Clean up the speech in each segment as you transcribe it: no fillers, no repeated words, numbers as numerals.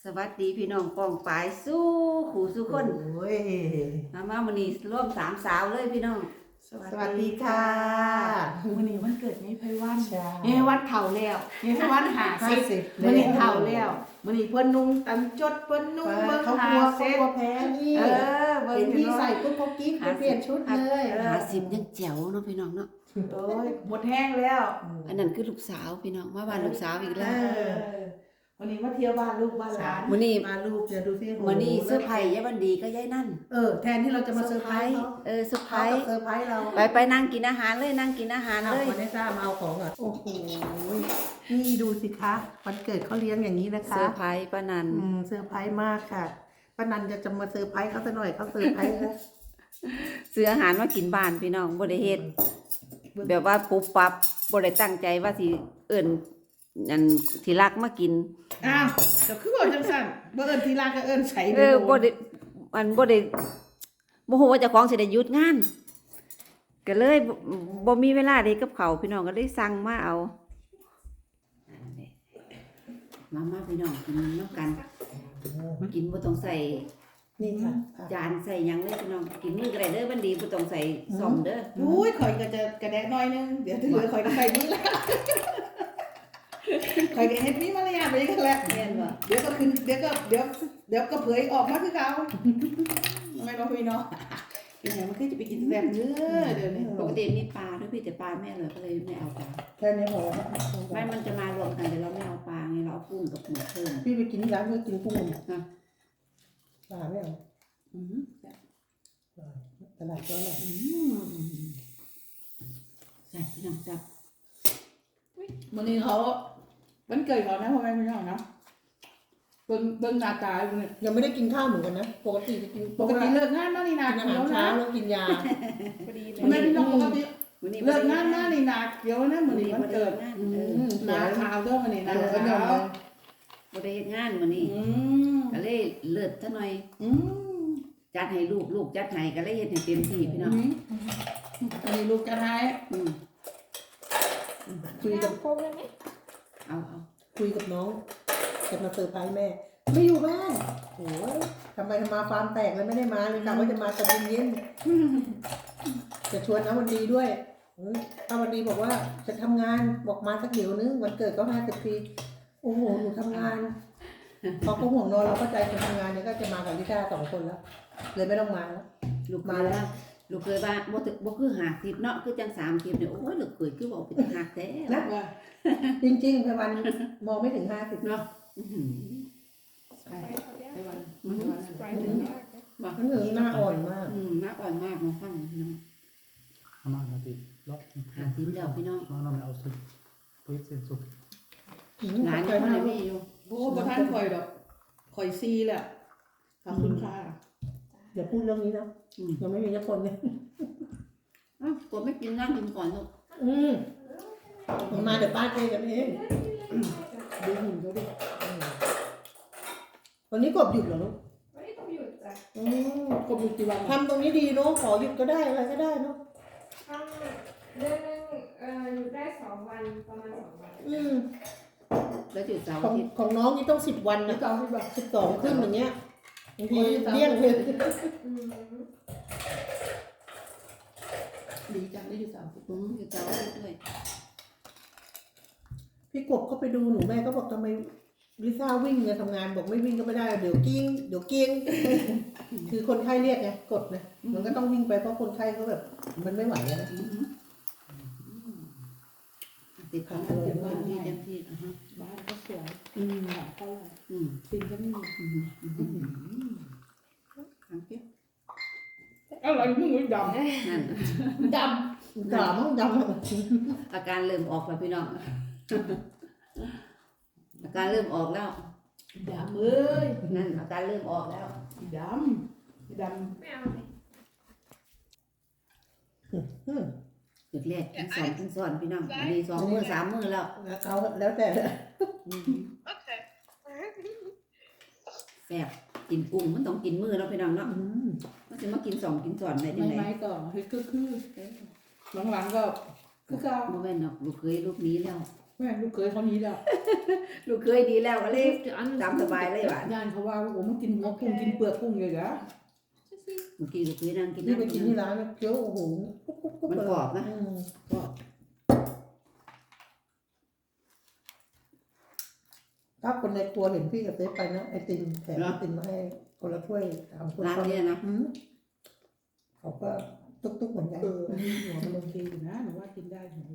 สวัสดีพี่น้องกองปลายสู้ขู่สู้คนโอ้ยมาวันนี้ร่วม3 สาวเลยพี่น้องสวัสดีค่ะวันนี้วันเกิดยายไพวันใช่ยายไพวันเฒ่าแล้วยายไพวัน50วันนี้เฒ่าแล้ววันนี้เพิ่นนุ่งตันจดเพิ่นนุ่งเบิ่งเขาหากลัวเซ็ตแพ้นี่เบิ่งเห็นพี่พี่ใส่ใส่ปุ๊บเขากิ๊กไปเปลี่ยนชุดเลย 50ยังแจ๋วเนาะพี่น้องเนาะโอ้ยหมดแห้งแล้วอันนั้นคือลูกสาวพี่น้องมาบ้านลูกสาวอีกแล้ววันนี้มาเที่ยวบ้านลูกบ้านหลานมื้อนี้มาลูกจะดูสิมื้อนี้เสื้อร์ไผ่ยายวันดีก็ยายนั่นแทนที่เราจะมาเซอร์ไพรส์เขาเซอร์ไพรเขาส์เซอร์ไพรส์เราไปนั่งกินอาหารเลยนั่งกินอาหารเอาเลยคนได้ทราบมาเอาของอ่ะโอ้โหนี่ดูสิคะวันเกิดเขาเลี้ยงอย่างนี้นะคะเซอร์ไพรส์ป้านันเซอร์ไพรส์มากค่ะป้านันจะมาเซอร์ไพรส์เขาซะหน่อยเขาเซอร์ไพรส์นะซื้ออาหารมากินบ้านพี่น้องบ่ได้เฮ็ดแบบว่าปุ๊บปั๊บบ่ได้ตั้งใจว่าสิเอิ้นอันที่รักมากินอ้าวก็คือว่าจังซั่นบ่เอิ้นทีลาก็เอิ้นใส่บ่ได้บ่ได้บ่ฮู้ว่าเจ้าของสิได้หยุดงานก็เลยบ่มีเวลาได้กับเขาวพี่น้องก็เลยสั่งมาเอามาพี่น้องกินน้ำกันกินบ่ต้องใส่นี่ค่ะจานใส่หยังเลยพี่น้องกินมือก็ได้เด้อบันดีบ่ต้องใส่ซ่อมเด้ออุ้ยข่อยก็จะกระแดะหน่อยนึงเดี๋ยวที่เหลือข่อยก็ใส่นี่ละข่อยก็เฮ็ดมีมารยาทไปกันแหละแม่นบ่เดี๋ยวก็ขึ้นเดี๋ยวก็เผยออกมาคือเขาไม่บอกพี่เนาะเป็นไงมันคือจะไปกินแซ่บเนื้อเดี๋ยวนี้ปกติมีปลาด้วยพี่แต่ปลาแม่เลยก็เลยไม่เอาปลาแค่นี้พอแล้วไม่มันจะมารวมกันแต่เราไม่เอาปลาไงเราเอากุ้งกับหมูเพิ่มพี่ไปกินที่ร้านเพื่อกินกุ้งนะปลาไม่เอาอือหือตลาดก็อร่อยใส่พี่น้องจับวันนี้เขาวันเกิดเขานะพ่อแม่พี่น้องเนาะเบิ่งหน้าตาอยู่เนี่ยยังไม่ได้กินข้าวเหมือนกันนะปกติจะกินปกติเลิกงานมานี่นากินอาหารเช้าแล้วกินยาพอดีเลพ่อแม่ยพี่น้องปกติวันนี้เลิกงานมานี่นาเกี่ยวนะมื้อนี้วันเกิดงานหนาขาวเด้อมื้อนี้นะก็เดี๋ยยอวมบ่ได้เฮ็ดงานมื้อนี้ ก็เลยเลิศซะหน่อย จัดให้ลูกจัดให้ก็เลยเฮ็ดให้เต็มที่พี่น้องอันนี้ลูกจะให้อืมคุยกับเอาคุยกับน้องจะมาเซอร์ไพรส์แม่ ไม่อยู่บ้านโอ้ยทำไมทำมาฟาร์มแตกเลยไม่ได้มาเลยกะว่าจะมาตอนเย็นจะชวนน้าวันดีด้วยน้าวันดีบอกว่าจะทำงานบอกมาสักเดี๋ยวนึงวันเกิดก็50 ปีโอ้โหหนูทำงานพอเขาห่วงนอนเราก็ใจคนทำงานเนี่ยก็จะมากับลิซ่า2 คนแล้ว เลยไม่ต้องมาแล้วลูกมาแล้วลูกเคยว่าบ่คือ50เนาะคือจัง30เนี่ยโอ้ยลูกเคยคือเว้าเป็นหักแท้นะว่าจริงๆไพวันมองไม่ถึง50 เนาะอื้อหือไอ้วันมันถึงหน้าอ่อนมากหน้าอ่อนมากเนาะฟังพี่น้อง Amanda lock. 50แล้วพี่น้อง Man har med oss på ett sätt så. หลานยังบ่ได้มีอยู่โอ้บ่ทันข่อยดอกข่อยซีแหละขอบคุณค่ะอย่าพูดเรื่องนี้นะยังไม่มีสักคนเลยอ้าวกดไม่กินนั่งกินก่อนลูกมาเดี๋ยวป้าเจกันเองดูหุ่นเขาดิวันนี้กบหยุดเหรอลูกไม่ได้ต้องหยุดจ้ะกบอยู่กี่วันทำตรงนี้ดีเนาะขอหยุดก็ได้อะไรก็ได้เนาะทำเดือนหนึงหยุดได้2 วันประมาณ2 วันแล้วจุดเสาร์ขออาง ทิตย์ของน้องนี่ต้อง10 วันนี่นะก็ที่แบบ 12ขึ้นอย่างเงี้ยบางทีเลี้ยงเลยอืมดีจังได้อยู่30 จุดเสาร์อาทิตย์ด้วยพี่กบก็ไปดูหนูแม่ก็บอกทำไมลิซ่าวิ่งเนี่ยทำงานบอกไม่วิ่งก็ไม่ได้เดี๋ยวกิ้งคือคนไข้เรียกไงกดนะมันก็ต้องวิ่งไปเพราะคนไข้เขาแบบมันไม่ไหวแล้วนะติดของเต็มที่เต็มที่อ่ะฮะบ้านก็สวยหาเท่าไหร่อืมปินก็ไม่มีขังเกี้ยวอะไรมึงไม่ดนั่นำดด่ามั้งดำอาการเริ่มออกแล้วพี่น้องอาการเริ่มออกแล้วำดำเอ้ยนั่นอาการเริ่มออกแล้วดำไม่เอาเลยจุดแรกกินสอนพี่น้องอันนี้2 มื้อ 3 มื้อแล้วเอาแล้วแต่แซ่บกินกุ้งมันต้องกินมื้อแล้วพี่น้องเนาะมันสิมากิน2 กินสอนได้จังได๋ไม้ก็เฮ้ยคือหลังๆก็คือเก่าบ่แม่นดอกลูกเคยลูกนี้แล้วแม่ลูกเคยเขานี้แล้วลูกเคยดีแล้วก็เลย Die anderen ตามสบายเลยหวานย่านเขาว่าโอ้มันกินหัวกุ้งกินเปลือกกุ้งเลยเหรอเมื่อกี้ลูกเคยนั่งกินนี่ไปน้ำกินที่ร้านนะเคี้ยวโอ้โหมันกรอบนะก็ถ้าคนในครัวเห็นพี่กับเต๊ไปนะไอติมแถมไอติมมาให้คนละถ้วยทำคนร้านเนี้นะเขาก็ตุ๊กๆเหมือนกันหัวมันโอเคอยู่นะหนูว่ากินได้หนู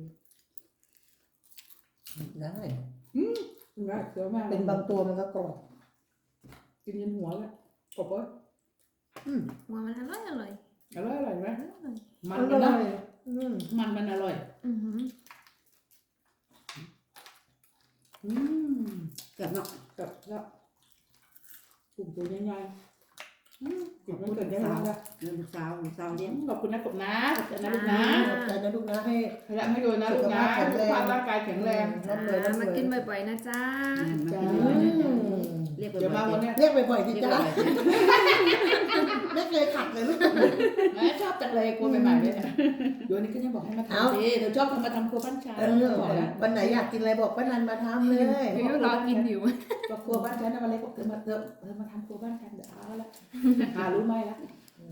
ได้ว่าเสือมากเป็นบางตัวมันก็กรอบกินยันหัวแล้วกบว่าหัวมันอร่อยอร่อยอร่อยไหมอร่อยมันอมันร่นะอยอืมมันอร่อยอือหืออืมเกือบเนาะกับแล้วกลุ่มตัวใหญ่ๆกลุ่มมันเกิดได้แล้วละลูกสาวเลี้ยงขอบคุณนะกบนะขอบคุณนะลูกนะขอบใจนะลูกนะให้พยายามให้ดูนะลูกนะสุขภาพร่างกายแข็งแรงร่ำรวยร่ำรมาวยกินบ่อยๆนะจ๊ะจ้าเรียกเดี๋ยวมาวันนี้เรียกบ่อยๆสิเรียกจ้าบ่อยไม่เคยขัดเลยลูกแม่ชอบจังเลยกลัวใหม่ๆเลยเนี่ยเดี๋ยวนี้ก็ยังบอกให้มาทำสิเดี๋ยวชอบทำมาทำครัวบ้านชายบอกแล้ววันไหนอยากกินอะไรบอกป้านันมาทำเลยเดี๋ยวรอกินอยู่ก็ครัวบ้านฉันนะวันเล็กบอกมามาทำครัวบ้านกันเดี๋ยวเอาละหารู้ไหมละ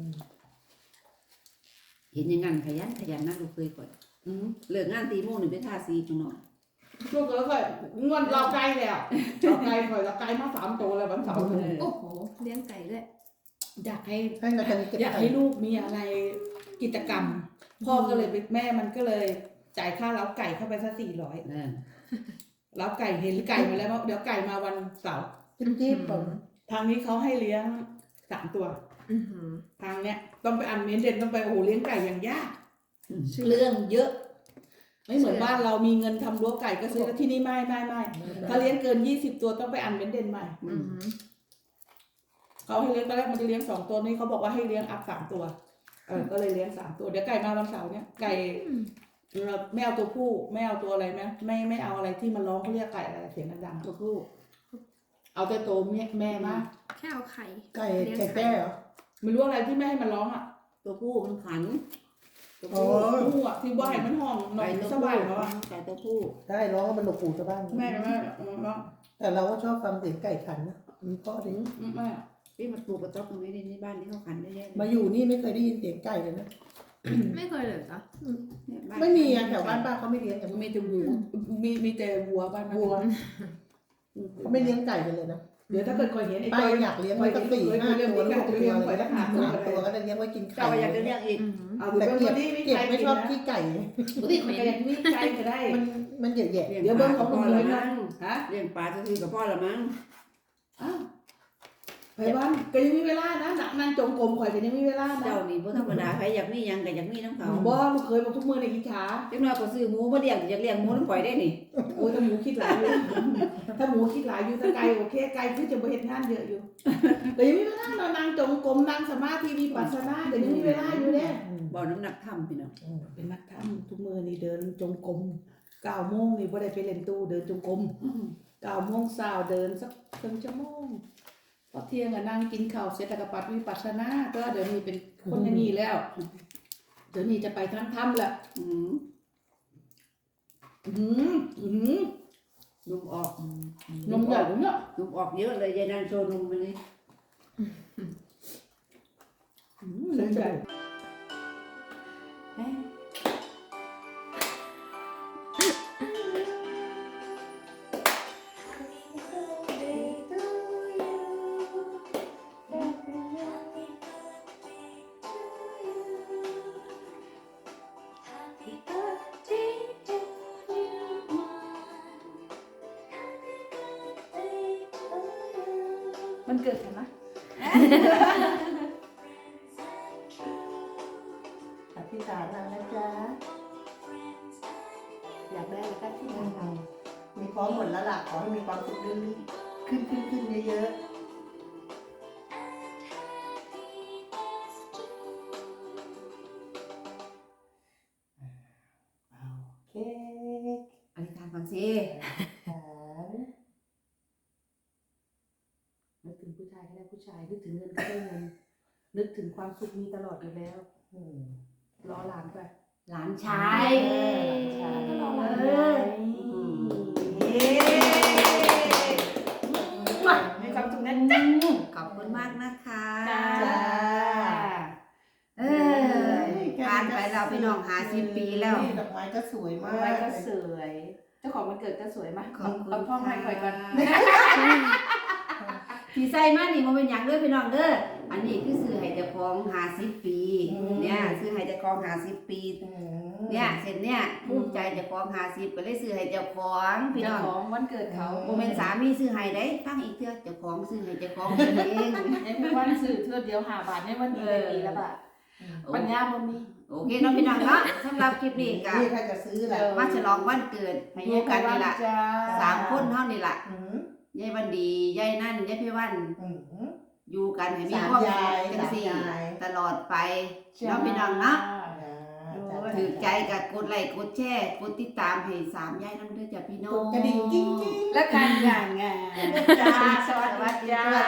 เห็นอย่างงั้นขยันนะลูกเคยก่อนเลิกงานตีโมงหนึ่งไปทาสีข้างนอกลูกเอ๋ยงอนเราไกลแล้วเราไกลคอยเราไกลมา3 ตัวแล้ววันเสาร์โอ้โหเลี้ยงไก่ด้วยอยากให้ให้เราจะเก็บอยากไข่ให้ลูกมีอะไรกิจกรรม พ่อก็เลยแม่มันก็เลยจ่ายค่าเล้าไก่เข้าไปสัก400 เออเล้าไก่เห็นไก่มาแล้วเดี๋ยวไก่มาวันเสาร์จิ๊บๆผมทางนี้เขาให้เลี้ยง3 ตัวอือหือทางเนี้ยต้องไปอันเมนเดนต้องไปโอ้โหเลี้ยงไก่อย่างยากเรื่องเยอะ ไม่เหมือนบ้านเรามีเงินทำรั้วไก่ก็ซื้อแล้วที่นี่ไม่ถ้าเลี้ยงเกิน20 ตัวต้องไปอันเมนเดนใหม่อือหือเขาให้เลี้ยงตอนแรกมันจะเลี้ยง2 ตัวนี่เขาบอกว่าให้เลี้ยงอัพ3 ตัวก็เลยเลี้ยง3 ตัวเดี๋ยวไก่มาวันเสาร์เนี้ยไก่ไม่เอาตัวผู้ไม่เอาตัวอะไรไม่เอาอะไรที่มันร้องเขาเรียกไก่อะไรเสียงดังๆตัวผู้เอาแต่ตัวแม่มาแค่เอาไข่ไก่ไก่แก้เหรอไม่รู้อะไรที่ไม่ให้มันร้องอ่ะตัวผู้มันขันตัวอ๋อผู้ผู้อ่ะที่ว่าให้มันห้องนอไก่นตัวสผู้บายเนาะไก่ตัวผู้ได้ร้องให้มันหนวกหูชาวบ้านแม่ร้องแต่เราก็ชอบฟังเสียงไก่ขันนะมันก็ดีแม่พี่มาปลูกกระต๊อบตรงนี้ในบ้านที่เขาขันได้เยอะมาอยู่นี่ไม่เคยได้ยินเสียงไก่เลยนะไม่เคยเลยจ้ะไม่มีอ่ะแถวบ้านป้าเขาไม่เลี้ยงกันมีแต่วัวมีแต่วัวบ้านมันวัวเขาไม่เลี้ยงไก่กันเลยนะเดี๋ยวถ้าเกิดคอยเห็นไอ้ป้าตัวอยากเลี้ยงไว้สัก4-5 ตัวลูกตัวอะไรนะ3 ตัวก็จะเลี้ยงไว้กินไข่เจ้าอยากจะเลี้ยงอีกอือหือเอาแต่เบิ้งเก็บนี่มีเก็บใครไม่ชอบขี้ไก่นี่มันก็ยังมีใครก็ได้มันแย่เดี๋ยวเบิ้งของหนูเลยนะฮะเลี้ยงปลาจะคือกับพ่อละมั้งอ้าวไปบ้านก็ยังมีเวลานะนั่งจงกรมข่อยก็ยังมีเวลานะเจ้านี่บ่ธรรมดาใครอยากมีหยังก็อยากมีน้ำเขาบ่ลูกเคยบอกทุกมื้อในอิจฉาจังน้อยก็ซื้อหมูมาเลี้ยงอยากเลี้ยงหมูน้ำข่อยได้นี่โอ้ยถ้าหมูคิดหลายอยู่ ถ้าหมูคิดหลายอยู่ถ้าไก่โอเคไก่คือจะบ่เฮ็ดงานเยอะอยู่แต่ยังมีเวลานั่งจงกรมนั่งสมาธิวิปัสสนาก็ยังมีเวลาอยู่เด้บ่น้ำหนักทำพี่น้องเป็นนักทำทุกมื้อนี่เดินจงกรม9 โมงนี่บ่ได้ไปเล่นตู้เดินจงกรม9 โมงเช้าเดินสักครึ่งชั่วโมงพอเที่ยงก็นั่งกินข้าวเสร็จแล้วก็ปัดวิปัสสนาก็เดี๋ยวนี้เป็นคนอย่างนี้แล้ว เดี๋ยวนี้จะไปทั้งถ้ำละอืมนมออกนนมมใหใหญ่ญ่เนี่ยนมออกเยอะเลยยายนางโชว์นมมานี่นมใหญ่ มันเกิดกันนะอธิษฐานเอานะจ๊ะอยากได้แล้วก็ที่ทำมีพร้อมหมดแล้วล่ะขอให้มีความสุขเรื่อยๆขึ้นเยอะๆเอาเค้กอธิษฐานฟังสิหานนึกถึงผู้ชายก็ได้ผู้ชายนึกถึงเงินก็ได้เงินนึกถึงความสุขมีตลอดอยู่แล้วอืมรอหลานไปหลานชายก็รอหลานเออมีความสุขนะจ๊ะขอบคุณมากนะคะจ้าเออผ่านไปแล้วพี่น้อง50 ปีแล้วนี่ดอกไม้ก็สวยมากไว้ก็สวย เจ้าของวันเกิดก็สวยมากขอบคุณเอาพ่อให้คอยก่อนที่ใส่มานี่บ่เป็นหยังเด้อพี่น้องเด้ออันนี้คือซื้อให้เจ้าของ50 ปีเนี่ยซื้อให้เจ้าของ50 ปีอืมเนี่ยเสร็จเนี่ยภูมิใจเจ้าของ50ก็เลยซื้อให้เจ้าของพี่เจ้าน้องของวันเกิดเขาบ่แม่นสามีซื้อให้ได้ฟังอีกเทื่อเจ้าของซื้อให้เจ้าของเองในวันสื่อเทือเดียว5 บาทในวันนี้ได้ปีละบาทปัญญาบ่มีโอเคเนาะพี่น้องเนาะสำหรับคลิปนี้ก็นี่ถ้าจะซื้อแหละมาฉลองวันเกิดให้อยู่กันนี่ล่ะจ้า 3 คนเท่านี่ล่ะอืมยายวันดียายนั่นยายพี่วันอืมอยู่กันให้มีสามความยายสุขจังซี่สามยายตลอดไปเนาะพี่น้องเนาะจ้าถือใจกับกดไลค์กดแชร์กดติดตามให้3ยายนำเด้อจ้ะพี่น้อก งดกระดิ่งกิ้งกิ้งและการงานจ้าสวัสดีจ้า